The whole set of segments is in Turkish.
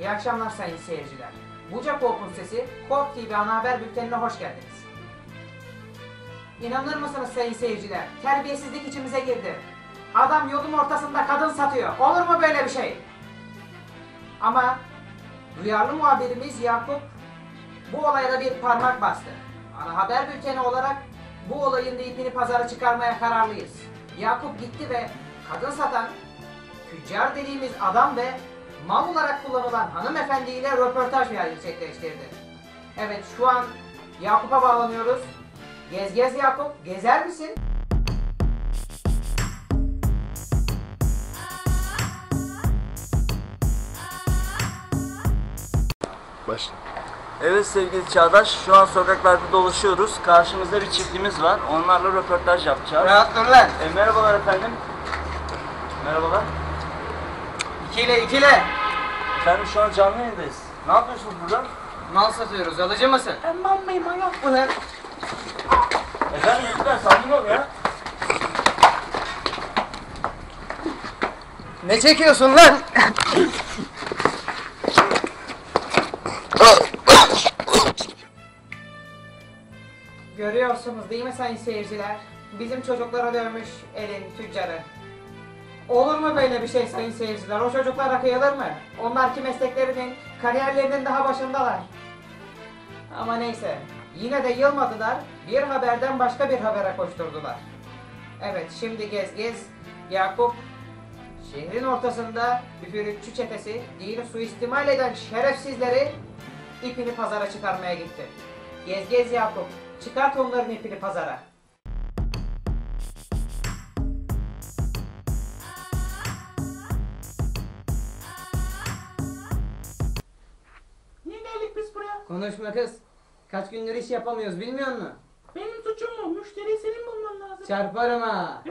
İyi akşamlar sayın seyirciler. Buca Kork'un sesi, Kork TV ana haber bültenine hoş geldiniz. İnanır mısınız sayın seyirciler? Terbiyesizlik içimize girdi. Adam yolun ortasında kadın satıyor. Olur mu böyle bir şey? Ama duyarlı muhabirimiz Yakup bu olaya da bir parmak bastı. Ana haber bülteni olarak bu olayın da ipini pazara çıkarmaya kararlıyız. Yakup gitti ve kadın satan, tüccar dediğimiz adam ve mal olarak kullanılan hanımefendiyle röportaj gerçekleştirdi. Evet, şu an Yakup'a bağlanıyoruz. Gez Yakup, gezer misin? Başla. Evet sevgili Çağdaş, şu an sokaklarda dolaşıyoruz. Karşımızda bir çiftimiz var. Onlarla röportaj yapacağız. Rahat dur lan. Merhabalar efendim. Merhabalar. İkile. Efendim şu an canlı yayındayız. Ne yapıyorsunuz burada? Mal satıyoruz, alıcı mısın? Aman bey manyak mı lan? Efendim lütfen sakin ol ya. Ne çekiyorsun lan? Görüyorsunuz değil mi sayın seyirciler? Bizim çocuklara dövmüş elin tüccarı. Olur mu böyle bir şey sayın seyirciler? O çocuklara kıyılır mı? Onlar ki mesleklerinin, kariyerlerinin daha başındalar. Ama neyse, yine de yılmadılar, bir haberden başka bir habere koşturdular. Evet, şimdi gez Yakup, şehrin ortasında üfürükçü çetesi, dini suistimal eden şerefsizleri ipini pazara çıkarmaya gitti. Gez Yakup, çıkart onların ipini pazara. Niye geldik biz buraya? Konuşma kız. Kaç gündür iş yapamıyoruz bilmiyor musun? Benim suçum mu? Müşteriyi senin bulman lazım. Çarparım ha.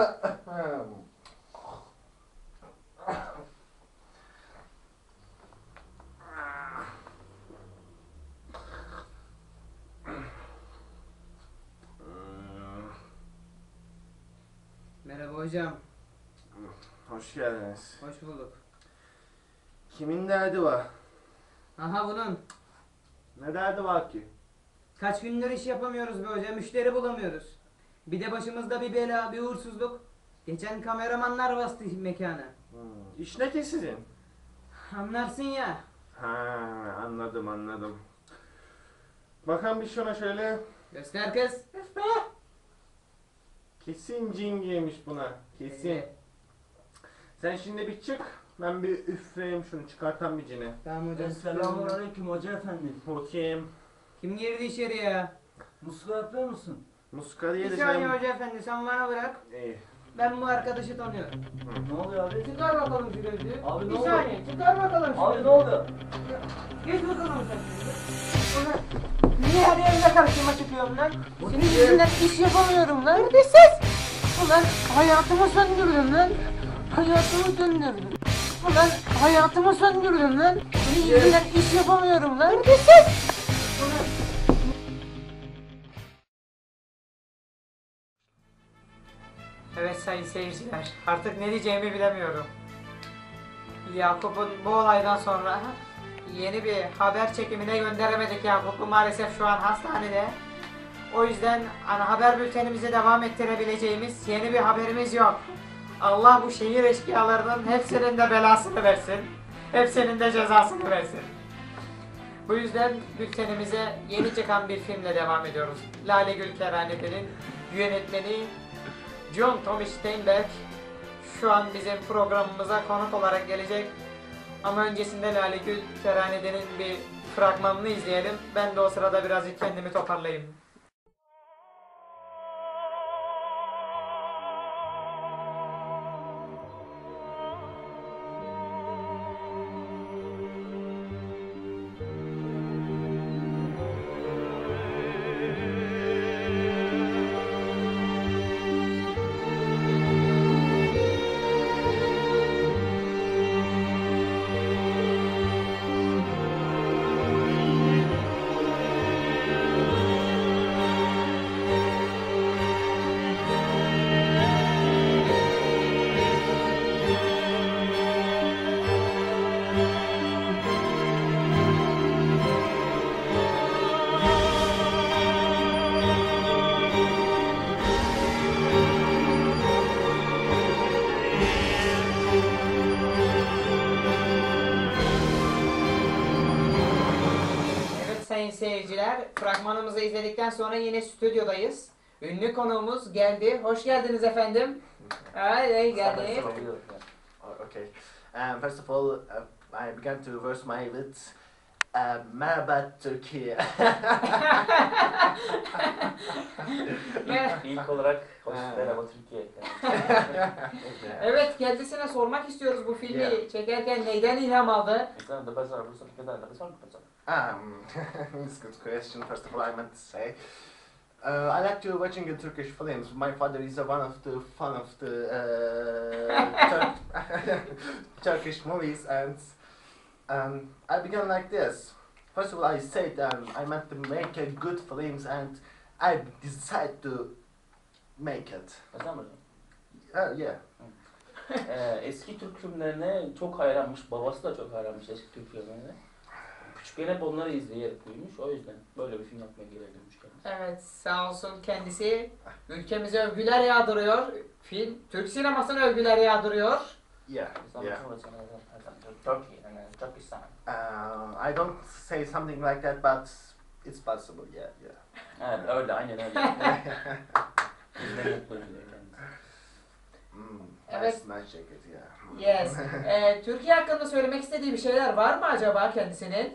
Merhaba hocam. Hoş geldiniz. Hoş bulduk. Kimin derdi var? Aha bunun. Ne derdi var ki? Kaç gündür iş yapamıyoruz be hocam. Müşteri bulamıyoruz. Bir de başımızda bir bela, bir uğursuzluk. Geçen kameramanlar bastı mekana. İş ne ki sizin? Anlarsın ya. Ha, anladım. Bakalım bir şuna şöyle. Göster kız. Kesin cin giymiş buna. Kesin. Sen şimdi bir çık. Ben bir üfleyeyim şunu, çıkartan bir cini. Tamam hocam. Selamünaleyküm hoca efendi. Bakayım. Kim girdi içeri ya? Muska yapıyor musun? Muska Bir diye saniye hoca efendi, sen bana bırak. İyi. Ben bu arkadaşı tanıyorum. Ne oluyor abi? Çıkar bakalım şu gözlüğü. Abi ne bir oluyor? saniye, çıkar bakalım şu Abi gözlüğü. ne oluyor? Geç bakalım sen şimdi. Ulan, niye her yerine karşıma çıkıyorum lan? Senin yüzünden iş yapamıyorum lan. Neredesin? Ulan hayatımı söndürdün lan. Hayatımı söndürdün. Ulan hayatımı söndürdün lan. Senin yüzünden iş yapamıyorum lan. Neredesin? Ulan. Evet sayın seyirciler, artık ne diyeceğimi bilemiyorum. Yakup'un bu olaydan sonra yeni bir haber çekimine gönderemedik Yakup'u, maalesef şu an hastanede. O yüzden ana haber bültenimizi devam ettirebileceğimiz yeni bir haberimiz yok. Allah bu şehir eşkıyalarının hepsinin de belasını versin. Hepsinin de cezasını versin. Bu yüzden bültenimize yeni çıkan bir filmle devam ediyoruz. Lale Gül Kerhanede'nin yönetmeni John Tommy Steinberg şu an bizim programımıza konuk olarak gelecek. Ama öncesinde Lale Gül Kerhanede'nin bir fragmanını izleyelim. Ben de o sırada birazcık kendimi toparlayayım. seyirciler. Fragmanımızı izledikten sonra yine stüdyodayız. Ünlü konuğumuz geldi. Hoş geldiniz efendim. Ay geldi. Okay. First of all, I began to verse my with Merhaba Türkiye. İlk olarak hoş merhaba Türkiye. Evet, kendisine sormak istiyoruz bu filmi çekerken neyden ilham aldı? It's a good question. First of all, I meant to say, I like to watching the Turkish films. My father is one of the fan of the Turkish movies, and I began like this. First of all, I said I meant to make a good films, and I decided to make it. Yeah. Eski Türk filmlerine çok hayranmış, babası da çok hayranmış eski Türk filmlerine. Küçükken hep onları izleyerek büyümüş, o yüzden böyle bir film yapmaya gerek duymuş kendisi. Evet, sağ olsun kendisi ülkemize övgüler yağdırıyor. Film, Türk sinemasına övgüler yağdırıyor. Yeah. Yeah. Turkey and Turkistan. I don't say something like that, but it's possible. Yeah. Evet, öyle, aynen öyle. Bizden mutluyuz diyor kendisi. Evet. Nice jacket, yeah. Yes. Türkiye hakkında söylemek istediği bir şeyler var mı acaba kendisinin?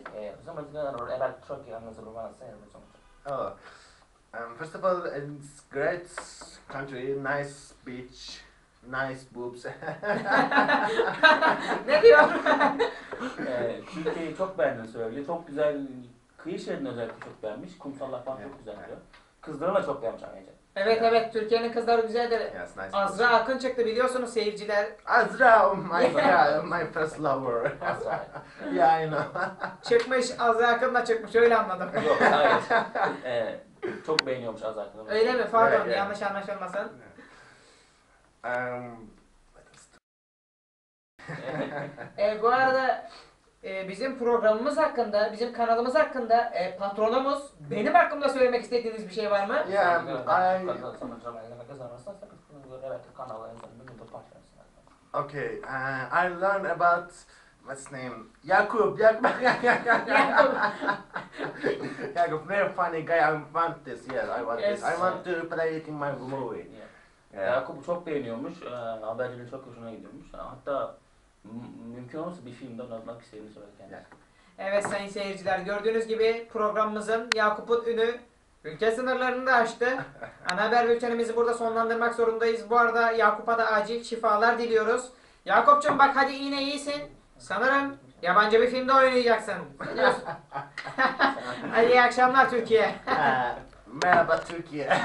Oh, first of all, it's great country, nice beach, nice boobs. Ne diyor? Türkiye'yi çok beğendiğini söylüyor. Çok güzel, kıyı şeridini özellikle çok beğenmiş. Kumsallar falan çok güzel diyor. Kızlarını da çok beğenmiş ayrıca. Evet, Türkiye'nin kızları güzeldir. Yes, nice. Azra Akın çıktı biliyorsunuz seyirciler. Azra, oh my god, my first lover. Azra. Yeah, I know. Çıkmış, Azra Akın da çıkmış, öyle anladım. Yok, hayır. Çok beğeniyormuş Azar'ın. Öyle mi? Pardon, Yeah. yanlış anlaşılmasın. Bu arada bizim programımız hakkında, bizim kanalımız hakkında patronumuz, benim hakkımda söylemek istediğiniz bir şey var mı? Yeah, okay, I learned about what's name? Jakub. Jakub, very funny guy. I want this. Yes, I want Yes. this. I want to play it in my movie. Yeah. Yakup'u çok beğeniyormuş, habercileri çok hoşuna gidiyormuş. Hatta mümkün olursa bir filmde oynatmak istediğini söyledi kendisi. Evet sayın seyirciler, gördüğünüz gibi programımızın Yakup'un ünü ülke sınırlarını da aştı. Ana haber bültenimizi burada sonlandırmak zorundayız. Bu arada Yakup'a da acil şifalar diliyoruz. Yakup'cum bak hadi yine iyisin. Sanırım yabancı bir filmde oynayacaksın. Ne diyorsun? Hadi iyi akşamlar Türkiye. Merhaba Türkiye.